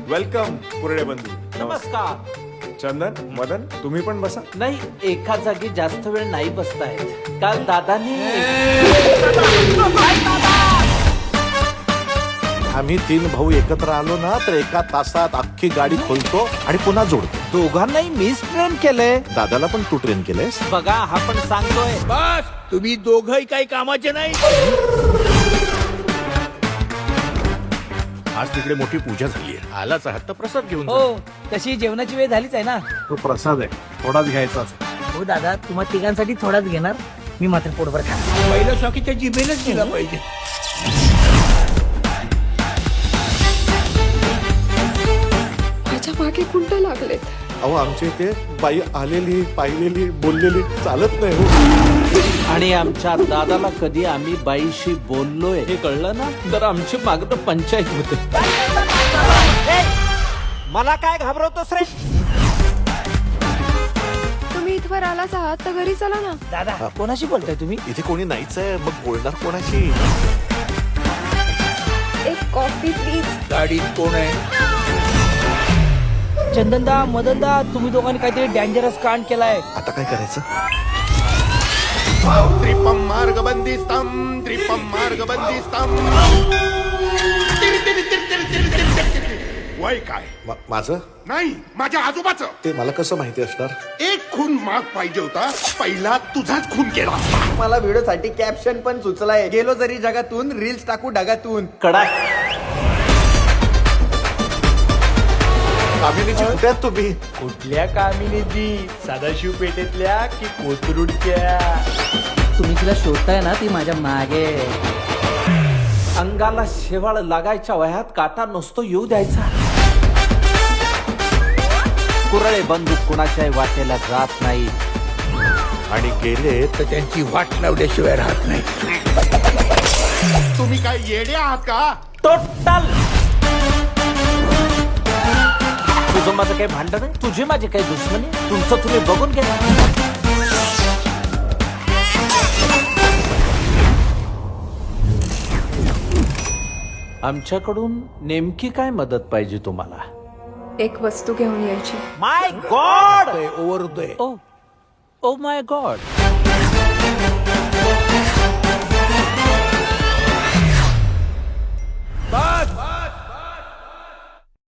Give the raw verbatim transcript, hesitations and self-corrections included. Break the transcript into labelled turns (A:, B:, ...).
A: Welcome कुरडे बंधू.
B: नमस्कार.
A: चंदन, मदन, तुम्ही पण बसा.
B: नाही, एका जागी जास्त वेळ नाही बसतायत. काल दादानी
C: आम्ही तीन भाऊ एकत्र आलो ना तर एका तासात अख्खी गाडी खोलतो आणि पुन्हा जोडतो.
B: दोघांनाही मीच ट्रेन केलंय.
C: दादाला पण तू ट्रेन केलंयस.
B: बघा, हा पण सांगतोय.
D: बस तुम्ही दोघही काही कामाचे नाही.
C: आज तिकडे मोठी पूजा झाली आहे. आलाच आहात तर प्रसाद घेऊन जा.
E: हो, तशी जेवणाची वेळ झालीच आहे ना.
C: तो प्रसाद आहे, थोडाच घ्यायचा असतो.
E: हो दादा, तुम्हा तिघांसाठी थोडाच घेणार, मी मात्र पोटभर खाणार.
D: पहिलं शॉकीच्या जिभेनच दिला पाहिजे.
F: माझ्या मागे कुंड लागलेत.
C: अहो आमच्या इथे बाई आलेली पाहिलेली बोललेली चालत नाही हो.
B: आणि आमच्या दादाला कधी आम्ही बाईशी बोललोय हे कळलं ना तर आमची मागणं पंचायत होते. मला काय घाबरवतोस रे?
F: तुम्ही इथवर आलाच आहात तर घरी चला ना.
E: दादा, कोणाशी बोलताय तुम्ही?
C: इथे कोणी नाहीच आहे, मग बोलणार कोणाशी?
F: एक कॉफी प्लीज.
D: गाडीत कोण आहे?
E: चंदनदा, मदनदा, तुम्ही दोघांनी काहीतरी डेंजरस कांड केलाय.
C: आता काय करायचं?
G: त्रिपम मार्ग बंदिस्तम त्रिपम मार्ग बंदिस्तम. वय काय?
C: मा- माझं
G: नाही, माझ्या आजोबाचं.
C: ते मला कसं माहिती असणार?
G: एक खून माग पाहिजे होता, पहिला तुझाच खून केला.
H: मला व्हिडिओसाठी कॅप्शन पण सुचलाय. गेलो जरी जगातून, रील्स टाकू ढगातून.
B: कडाक.
C: कामिनीची कुठे आहात तुम्ही?
D: कुठल्या कामिनीची? सदाशिव पेठेतल्या की कोथरूडच्या?
E: तुम्ही तिला शोधताय ना, ती माझ्या मागे.
B: अंगाला शेवाळ लागायच्या वयात काटा नसतो येऊ द्यायचा. कुरळे बंदूक कुणाच्याही वाटेला जात नाही.
C: आणि गेले
D: तर त्यांची वाट लावल्याशिवाय राहत नाही.
G: तुम्ही काय येडे आहात का?
B: टोटल. तुझं माझं काही भांडण आहे, तुझी माझी काही दुश्मनी. तुमचं तुम्ही बघून घ्या. आमच्याकडून नेमकी काय मदत पाहिजे तुम्हाला?
F: एक वस्तू घेऊन यायची.
B: माय गॉड.
D: ओव्हर होतोय.
B: Oh oh my God.